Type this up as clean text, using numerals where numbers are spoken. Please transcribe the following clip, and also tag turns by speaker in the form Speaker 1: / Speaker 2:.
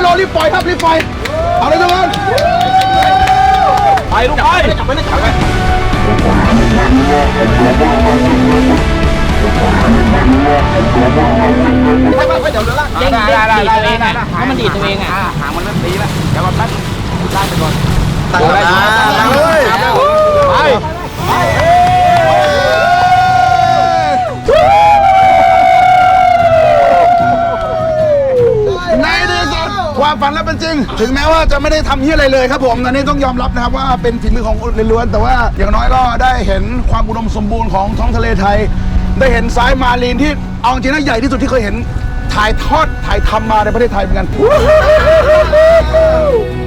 Speaker 1: รีบปล่อยครับรีบปล่อยเอาเลยทุกคน
Speaker 2: ไปลูกไปจับไปเลยจับไปไม่เดี๋ยวเรือล่าง
Speaker 3: เด้งดีดตัวเองอ่ะเพราะมันดีดตัวเองอ่ะ
Speaker 2: หางมันเริ่มตีแล้วเดี๋ยวเราตั้งได้ไปก่อน
Speaker 1: ตั้งเลยไปในที่สุดความฝันและเป็นจริงถึงแม้ว่าจะไม่ได้ทำเหี้ยอะไรเลยครับผมอันนี้ต้องยอมรับนะครับว่าเป็นฝีมือของล้วนๆแต่ว่าอย่างน้อยก็ได้เห็นความอุดมสมบูรณ์ของท้องทะเลไทยได้เห็นสายมารีนที่เอาจริงนะใหญ่ที่สุดที่เคยเห็นถ่ายทำมาในประเทศไทยเหมือนกัน